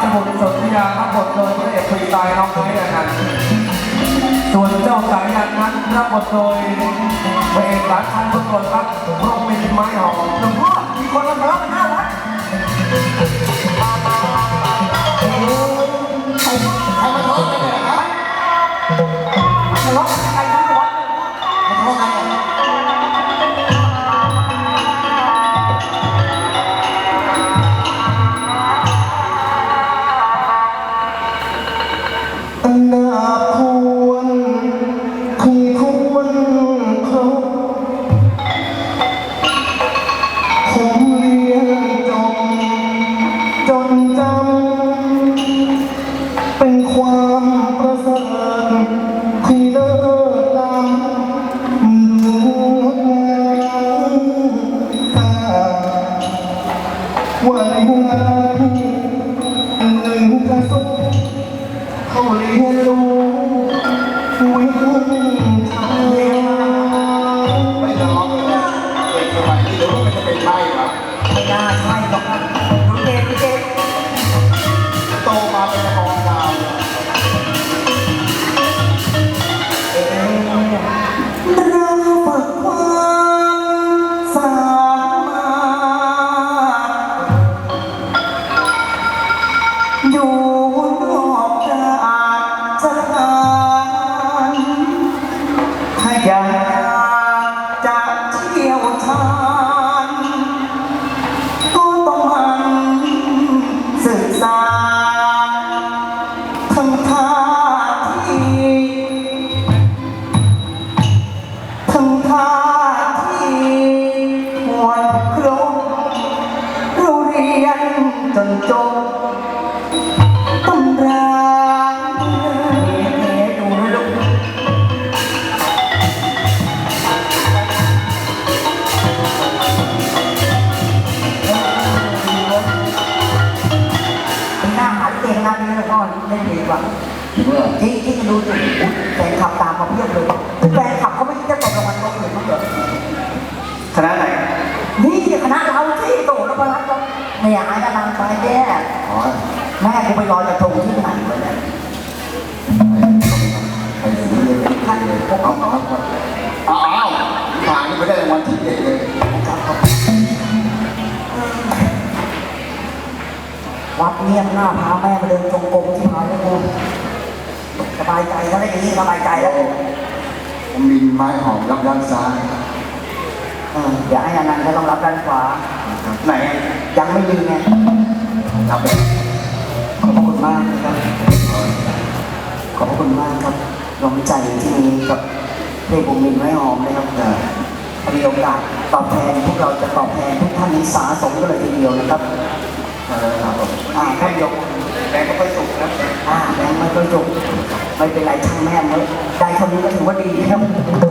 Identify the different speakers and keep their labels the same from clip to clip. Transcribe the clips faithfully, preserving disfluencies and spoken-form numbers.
Speaker 1: บุตรสนธยารับบทโดยพระเอกฟรีสไตล์น้องไม้อนันต์ส่วนเจ้าสายยันนั้นรับบทโดยพระเอกหลานชันทุกคนครับพระมินไม้หอมหลวงพ่อมีคนมาทะเลาะกันหน้าวัด
Speaker 2: ใครใครมาทะเลาะกันเนี่ยฮะ
Speaker 1: ทะเลาะกันใครทั้งวัด
Speaker 2: มาทะเลาะกันเนี่ย
Speaker 3: อันนาควรคงควรครบผมเรียนจบจนจำเป็นความประเสริฐที่เลิศล้ำดูตาวันวันหนึ่งกระสุนเขาเรียนรู้วิธีทำ
Speaker 2: ไม่ทะเลาะกันเนี่ยเด็กสมัยนี้หรือว่ามันจะเป็นใช่หรอ
Speaker 1: ไม่น่าใช่หรอกรู้เด็กรู้เด็ก
Speaker 2: โตมาเป็นละครดาวเนี่ย
Speaker 3: เราฝึกความสามารถอยู่นอกจากสถานถ้าอยากจะเที่ยวชาญก็ต้องมันศึกษาทั้งท่าทีทั้งท่าทีหวนครบเราเรียนจนจบตำราเอ๋ดูลูกหน้าหาเก่งนะนี่แล้วก็เล่นดีกว่าที่ที่ดูสิแฟนขับตามมาเพียบเลยแฟนขับเขาไม่คิดจะตกรางวัลเขาเลยมั้งเหรอคณะไหนนี่คณะเราที่โตแล้วมารับก็ไม่อยากให้กำลังใจแย่แม่กูไปรอจะทงที่ไหนวะเนี่ย
Speaker 2: ไปถึงเลยท่านเลยพวกเขาเอาอ้าวผ่านนี่ไม่ได้รางวัลที่เด็กเลย
Speaker 3: วัดเงียบหน้าพาแม่มาเดินจงกรมที่พาแล้วกูสบายใจแล้วได้อย่างนี้สบายใจแล้ว
Speaker 2: มินไม้หอมรับด้านซ้าย
Speaker 3: เดี๋ยวไอ้อนันต์ก็ต้องรับด้านขวาไหนยังไม่มีไง
Speaker 2: รับแบบ
Speaker 3: ขอบคุณมากนะครับขอบคุณมากครับน้องใจที่มีกับเพลงผมมินไม้หอมนะครับมีโอกาสตอบแทนพวกเราจะตอบแทนทุกท่านนี้สาสมกันเลยทีเดียวนะครับครับผมอ่าท่านยกแบงค์ก็ค่อยสุกนะอ่าแบงค์ไม่ค่อยสุกไม่เป็นไรช่างแม่เมื่อได้เท่านี้ก็ถือว่าดีครับ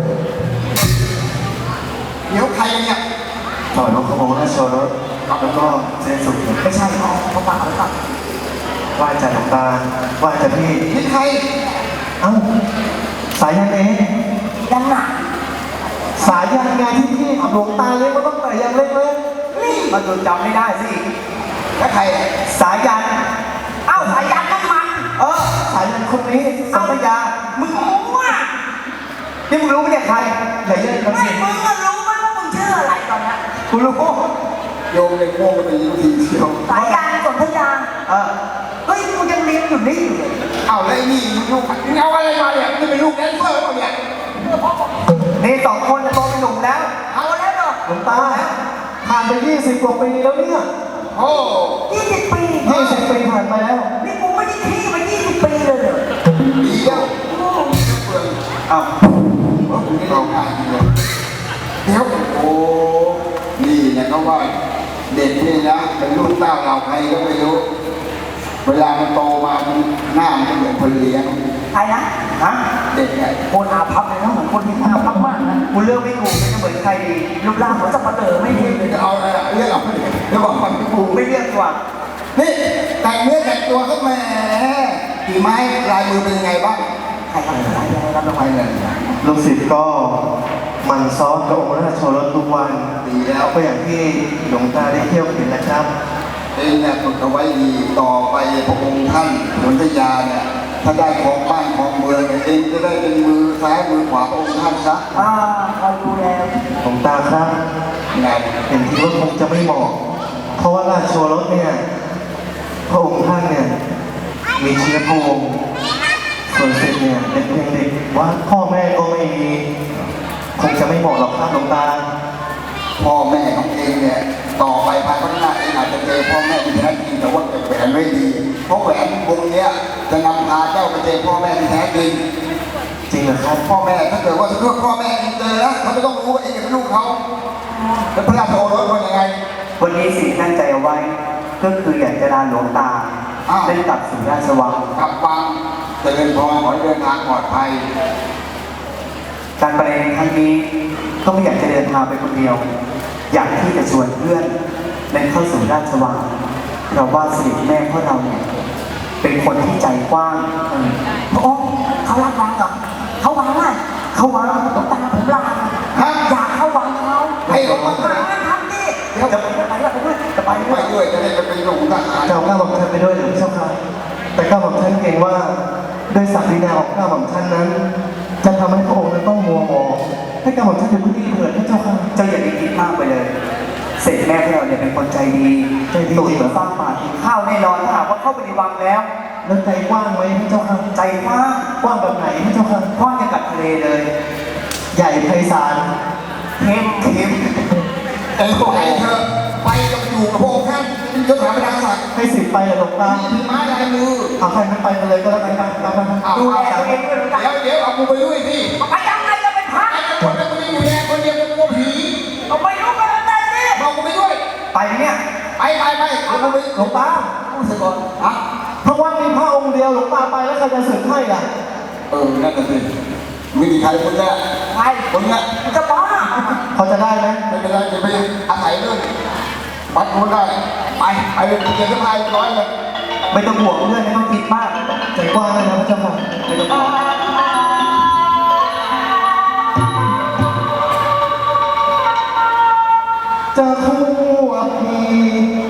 Speaker 2: เดี๋ยวใครเนี่ย
Speaker 3: ต่อยนกขโมยโชว์รถแล้วก็เส้นสุกไม่ใช่เขาเขาฝากเขาฝากว่าจะหลวงตาว่าจะพี่
Speaker 2: นี่ใคร
Speaker 3: เอ้าสายยันเองยังหนักสายยันไงที่พี่หลวงตาเลี้ยงก็ต้องแต่ยังเล็กๆมันจนจำไม่ได้สิ
Speaker 2: แล้วใคร
Speaker 3: สายยันเอ้าสายยันนั่นมันเออสายยันคนนี้สัมปยามึงรู้ว่านี่มึงรู้ไหมเนี่ยใครไหนเยอะกันสิมึงก็รู้ไหมว่ามึงชื่ออะไรตอนนี้กูรู้
Speaker 2: โยมเลยโง่ไปยิงทีเชียว
Speaker 3: สายยันสัมปยาเออเฮ้ยมึงยังเลี้ยงอยู่นี่อยู่เลย
Speaker 2: เอาแล้วนี่มึงลูกมึงเอาอะไรมาเนี่ยมึงเป็นลูกแดนเซอร์เปล่าเนี่ย
Speaker 3: นี่สองคนจะโตเป็นหนุ่มแล้วเอาแล้วเหรอหลวงตาผ่านไปยี่สิบกว่าปีแล้วเนี่ย
Speaker 2: โอ้
Speaker 3: ยี่สิบปียี่สิบปีผ่านไปแล้วนี่กูไม่ได้ขี้มายี่สิบปีเลยเหรอ
Speaker 2: ดีแล้ว
Speaker 3: อ้าว
Speaker 2: ว่าคุณไม่ลองอ่านเลยเดี๋ยวโอ้นี่นะเขาว่าเด็กนี่นะเป็นลูกเต้าเราใครก็ไม่รู้เวลามันโตมามันหน้ามันเหมือนคนเลี้ยง
Speaker 3: ใครนะฮะ
Speaker 2: เด็กไง
Speaker 3: คนอาภัพเลยนะเหมือนคนที่อาภัพมากนะกูเลือกไม่ถูกไม่เหมือนใครดีรูปร่างเหมือนสับปะเลอไม่ดี
Speaker 2: จะเอาอะไรเลือกเอาเดี๋ยวบอกความ
Speaker 3: กูไม่เลือกกว่า
Speaker 2: นี่แต่งเนื้อแต่งตัวก็แหมกี่ไม้ลายมือเป็นยังไงบ้าง
Speaker 3: ใครทำอะไรยังไงรับรางวัลเลย
Speaker 4: ลูกศิษย์ก็มันซ้อนพระองค์ราชโอรสทุกวัน
Speaker 2: ดีแล้ว
Speaker 4: ก็อย่างที่หลวงตาได้เที่ยวเห็นแหละครับ
Speaker 2: เองเนี่ยฝึกเอาไว้ดีต่อไปพระองค์ท่านนนทยาเนี่ยถ้าได้ของบ้านของเมืองเนี่ยเองจะได้เป็นมือซ้ายมือขวาพระองค์ท่านซะ
Speaker 3: อ่าคอยดูแล
Speaker 4: หลวงตาครับ
Speaker 2: ไง
Speaker 4: เห็นทีว่าคงจะไม่เหมาะเพราะว่าราชโอรสเนี่ยพระองค์ท่านเนี่ยมีเชื้อพระวงศ์ส่วนสิทธิ์เนี่ยเป็นเพียงเด็กว่าพ่อแม่ก็ไม่มีคงจะไม่เหมาะหรอกครับหลวงตา
Speaker 2: พ่อแม่ของเองเนี่ยต่อไปภายภาคหน้าเองอาจจะเจอพ่อแม่ที่แท้จริงแต่ว่าเก็บแหวนไม่ดีเพราะแหวนวงเนี้ยจะนำพาเจ้าไปเจอพ่อแม่ที่แท้จริง
Speaker 4: จริงเหรอครับ
Speaker 2: พ่อแม่ถ้าเกิดว่าเพื่อพ่อแม่เองเจอแล้วเขาจะต้องรู้ว่าเองเป็นลูกเขาแล้วพระราชโอรสเป็นยังไง
Speaker 3: วันนี้สิ่งตั้งใจเอาไว้ ก็คืออยากจะลาหลวงตา
Speaker 2: อ้าว
Speaker 3: ได้กลับสู่ราชวัง
Speaker 2: กลับฟังเจริญพรขอให้เดินทางปลอดภัย
Speaker 3: การไปในครั้งนี้ก็ไม่อยากจะเดินทางไปคนเดียว อยากที่จะชวนเพื่อนเดินเข้าสู่ราชวังเพราะว่าเสด็จแม่ของเราเนี่ยเป็นคนที่ใจกว้างเออพระองค์เขารับวังเหรอเขาวังอ่ะเขาวังหลวงตาผมลา
Speaker 2: ฮะ
Speaker 3: อยากเข้าวังเขา
Speaker 2: ให้เขาวัง
Speaker 3: มาทำดิจะไปด้วยไปด้วยจะไป
Speaker 2: ไป
Speaker 3: ด้วย
Speaker 2: ด้วยจะได้ไปเป็นหลวงทหาร
Speaker 4: เจ้าก้าวหม่อมท่านไปด้วยหรือเจ้าค่ะแต่ก้าวหม่อมท่านเกรงว่าด้วยศักดินาของก้าวหม่อมท่านนั้น จะทำให้พระองค์นั้นต้องมัวหมองให้ก้าวหม่อมท่านอยู่พื้นที่เถิดพระเจ้าค่ะ
Speaker 3: เจ้าอย่าไปคิดมากไปเลย เสร็จแม่ของเราเนี่ยเป็นคนใจดี
Speaker 4: ใจดี
Speaker 3: ตุ๋ยเหมือนฟางป่ากินข้าวแน่นอนถ้าหากว่าเข้าไปในวังแล้ว
Speaker 4: แล้วใจกว้างไหมพระเจ้าค่ะ
Speaker 3: ใจกว้าง
Speaker 4: กว้างแบบไหนพระเจ้าค่ะ
Speaker 3: กว้างอย่างกับทะเลเลย
Speaker 4: ใหญ่ไพศาล
Speaker 3: เข้มเข้ม
Speaker 2: เองไปเถอะไปกับอยู่กับพระองค์ท่านเป็นยศถาบรรดาศักดิ์
Speaker 4: ให้สิบไปเลยหลวงตา
Speaker 2: มีไม้ลายมือ
Speaker 4: เอาใครนั้นไปกันเลยก็แล้วกันครับครับครับ
Speaker 2: เอา
Speaker 3: ดูแล
Speaker 2: เอา
Speaker 3: ตัวเองด้วยนะ
Speaker 2: เดี๋ยวเดี๋ยวเอากูไปด้วยสิ
Speaker 3: ไปยังไงจะเป็นพระ
Speaker 2: ไอ้คนนั้นคนนี้อยู่แดงคนเดียวกูกลัวผี
Speaker 3: เอาไปรู้กันแล้วได้สิ
Speaker 2: เอากูไปด้วย
Speaker 3: ไปเนี่ย
Speaker 2: ไปไปไปเอากูไป
Speaker 4: หลวงตา
Speaker 2: พูดเสร็จก่อนฮะ
Speaker 4: เพราะว่ามีพระองค์เดียวหลวงตาไปแล้วใครจะสึกให้ล่ะ
Speaker 2: เออนั่นน่ะสิไม่มีใครคนเนี้ย
Speaker 3: ไป
Speaker 2: คนเนี้ย
Speaker 3: มันจะบ้า
Speaker 4: พอจะได้ไหม
Speaker 2: ไม่เป็นไรอย่าไปอาศัยเรื่องวัดนู้นได้ไปไปเรียนเรียนที่พายร้อยเลย
Speaker 3: ไม่ต้องห่วงเพื่อนไม่ต้องคิดมาก
Speaker 4: ใจกว้างเลยนะพระเจ้าค่ะ
Speaker 3: ไม่ต้องห่วง
Speaker 4: จะคู่อภี